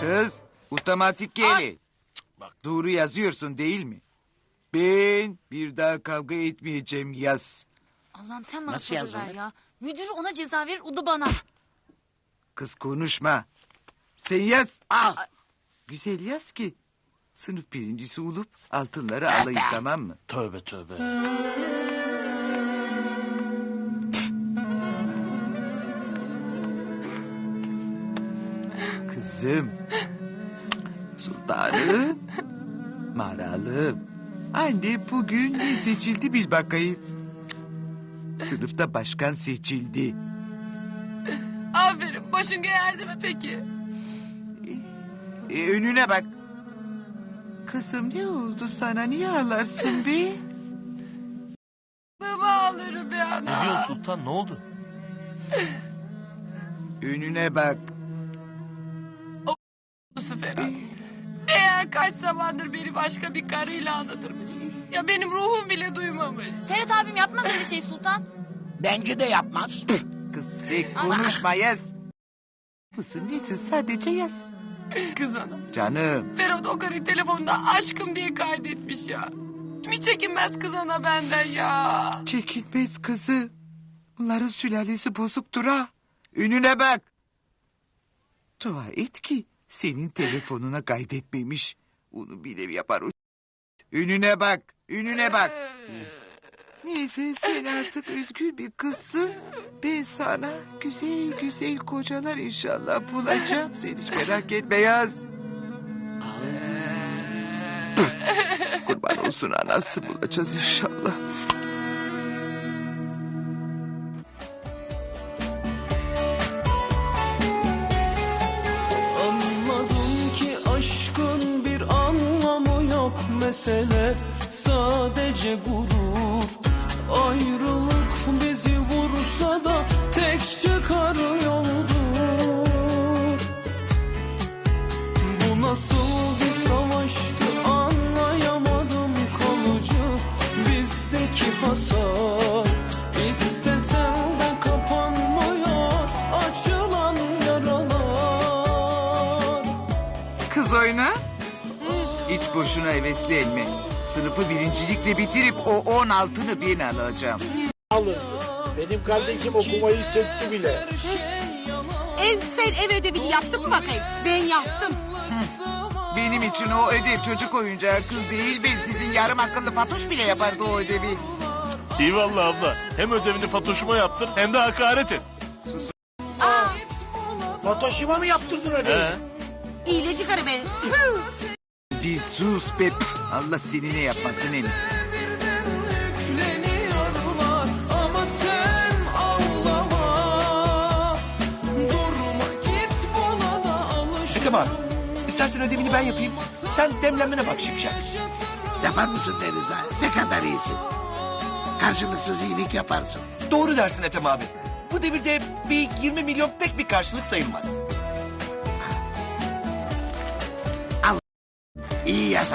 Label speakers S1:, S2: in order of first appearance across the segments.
S1: Kız otomatik geli.
S2: Bak.
S1: Doğru yazıyorsun değil mi? Ben bir daha kavga etmeyeceğim yaz.
S3: Allah'ım sen bana
S4: Nasıl
S3: sabır ver
S4: yazılır?
S3: ya. Müdür ona ceza verir, o da bana.
S1: Kız konuşma. Sen yaz.
S4: Al.
S1: Güzel yaz ki. Sınıf birincisi olup altınları alayım, tamam mı?
S2: Tövbe tövbe.
S1: Kızım. Sultanım. Maralım. Anne bugün ne seçildi bil bakayım. Sınıfta başkan seçildi.
S5: Aferin. Başın geğerdi mi peki?
S1: Önüne bak. Kızım ne oldu sana, niye ağlarsın be?
S5: Baba ağlarım be ana.
S2: Ne diyorsun Sultan, ne oldu?
S1: Önüne bak.
S5: Ferhat. Eğer kaç zamandır beni başka bir karıyla aldatırmış. Ya benim ruhum bile duymamış.
S3: Ferhat abim yapmaz öyle şey Sultan.
S4: Bence de yapmaz.
S1: Kız sen konuşma, yaz. Mısın nesin, sadece yaz.
S5: Kız ana.
S1: Canım.
S5: Ferhat o karıyı telefonda aşkım diye kaydetmiş ya. Hiç çekinmez kız ana benden ya.
S1: Çekilmez kızı. Bunların sülalesi bozuktur ha. Önüne bak. Dua et ki senin telefonuna kaydetmemiş. Onu bile yapar o. Önüne bak. Önüne bak. Neyse sen artık özgür bir kızsın. Ben sana güzel güzel kocalar inşallah bulacağım. Sen hiç merak etme yaz. Kurban olsun, anası bulacağız inşallah.
S6: Anladım ki aşkın bir anlamı yok, mesele sadece gurur. Ayrılık bizi vursa da tek çıkar yoldur. Bu nasıl bir savaştı anlayamadım, kalıcı bizdeki hasar. İstesem de kapanmıyor açılan yaralar.
S1: Kız oyna. Hiç boşuna heveslenme. Sınıfı birincilikle bitirip o 16'ını ben alacağım.
S4: Alın. Benim kardeşim okumayı söktü bile.
S7: Sen ev ödevini yaptın mı bakayım? Ben yaptım.
S1: Benim için o ödev çocuk oyuncağı, kız değil. Ben sizin yarım akıllı Fatoş bile yapardı o ödevi.
S2: İyi vallahi abla. Hem ödevini Fatoş'uma yaptın hem de hakaret et.
S4: Fatoş'uma mı yaptırdın öyle?
S2: He.
S7: İyileci karı ben.
S1: Bir sus be. Allah seni ne yapmasın en.
S6: Yükleniyorlar ama sen ağlama. Durma git bulana alış.
S8: Ethem abi, istersen ödevini ben yapayım. Sen demlenmene bak Şimşek.
S4: Yapar mısın Deniz abi? Ne kadar iyisin. Karşılıksız iyilik yaparsın.
S8: Doğru dersin Ethem abi. Bu devirde bir 20 milyon pek bir karşılık sayılmaz.
S4: İyi yasa.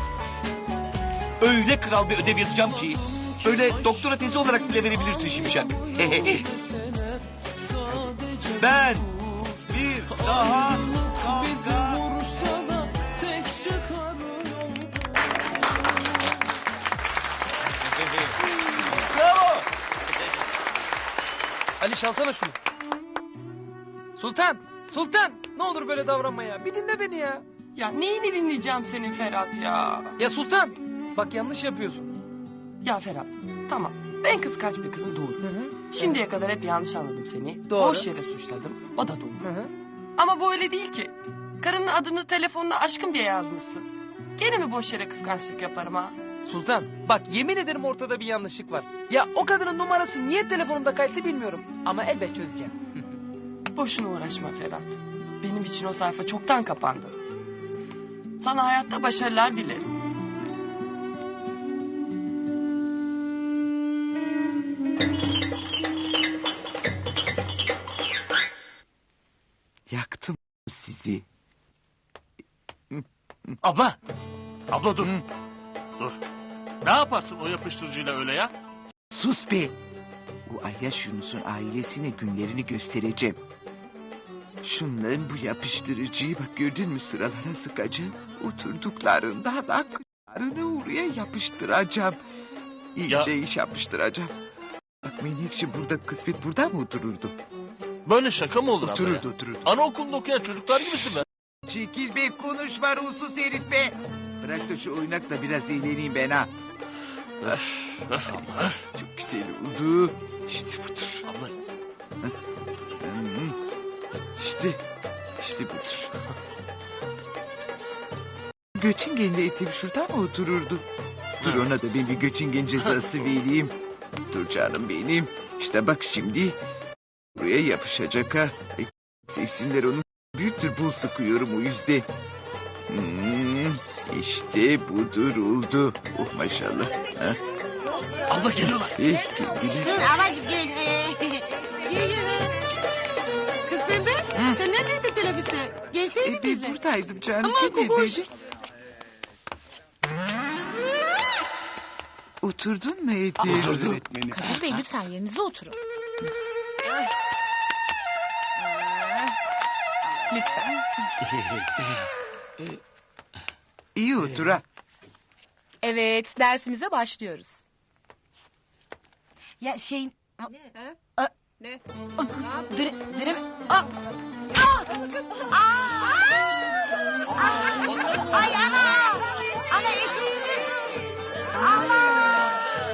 S8: Öyle kral bir ödev yazacağım ki... ...öyle doktora tezi olarak bile verebilirsin Şimşek. Ben bir daha
S6: Bizi
S8: kavga...
S6: vursa da tek çıkar
S8: Bravo!
S9: Ali çalsana şunu. Sultan, Sultan. Ne olur böyle davranma ya. Bir dinle beni ya.
S5: Ya neyini dinleyeceğim senin Ferhat ya?
S9: Ya Sultan, bak yanlış yapıyorsun.
S5: Ya Ferhat tamam ben kıskanç bir kızım doğru. Şimdiye kadar hep yanlış anladım seni.
S9: Doğru.
S5: Boş yere suçladım. O da doğru.
S9: Hı hı.
S5: Ama bu öyle değil ki. Karının adını telefonuna aşkım diye yazmışsın. Gene mi boş yere kıskançlık yaparım ha?
S9: Sultan, bak yemin ederim ortada bir yanlışlık var. Ya o kadının numarası niye telefonumda kayıtlı bilmiyorum. Ama elbet çözeceğim.
S5: Boşuna uğraşma Ferhat. Benim için o sayfa çoktan kapandı. Sana hayatta başarılar dilerim.
S1: Yaktım sizi.
S2: Abla. Abla dur. Dur. Ne yaparsın o yapıştırıcıyla öyle ya?
S1: Sus be. O Ayyaş Yunus'un ailesine günlerini göstereceğim. Şunların bu yapıştırıcıyı bak gördün mü sıralara sıkacağım. Oturduklarında da kıçlarını oraya yapıştıracağım. İyice iş yapıştıracağım. Bak Menekşe burada kısmet burada mı otururdu?
S2: Böyle şaka mı olur abla ya?
S1: Otururdu.
S2: Anaokulunda okuyan çocuklar gibisin be.
S1: Çekil be konuşma ruhsuz herif be. Bırak da şu oynakla biraz eğleneyim ben ha. Çok güzel oldu. İşte budur.
S2: Abla
S1: İşte budur. Göçingenli etim şurada mı otururdu? Dur ona da ben bir göçingen cezası vereyim. Dur canım benim. İşte bak şimdi. Buraya yapışacak ha. Sevsinler onu. Büyüktür bul sıkıyorum o yüzden. İşte budur oldu. Oh maşallah. Ha?
S2: abla geliyorlar.
S1: Gel.
S7: Alacım gel. Kız Pembe sen neredeydin teneffüste? Gelseydin
S1: Ben
S7: bizle.
S1: buradaydım canım.
S7: Aman
S1: Sen
S7: kokuş.
S1: neredeydin? Oturdun mu Edi?
S8: Oturdum.
S3: Kadir Bey lütfen yerinize oturun. Lütfen.
S1: İyi otur ha.
S3: Evet dersimize başlıyoruz. Ya şey...
S7: Ne?
S3: Dönem...
S7: Ay ana! Ana eteğim yırtılmış. Allah!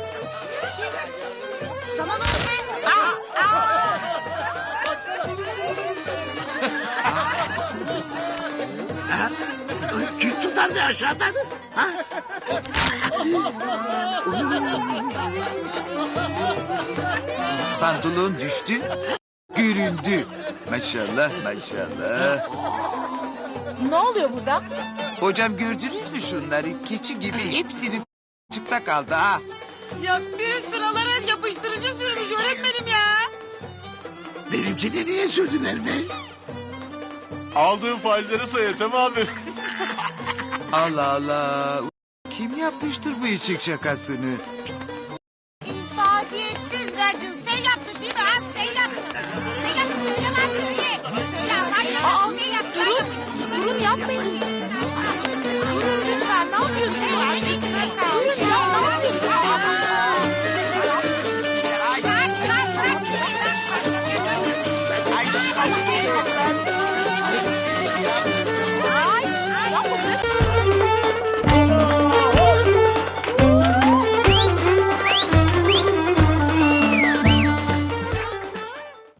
S7: Sana ne oldu be?
S4: Kim tutar bir aşağıdan? Ha?
S1: Pantolon düştü. Göründü. Maşallah maşallah.
S3: Ne oluyor burada?
S1: Hocam gördünüz mü şunları? Keçi gibi hepsini çıplak kaldı ha.
S7: Ya bir sıralara yapıştırıcı sürmüş öğretmenim ya.
S4: Benimkini niye sürdüler be?
S2: Aldığın faizleri say Ethem abi.
S1: Allah Allah. Kim yapmıştır bu eşek şakasını?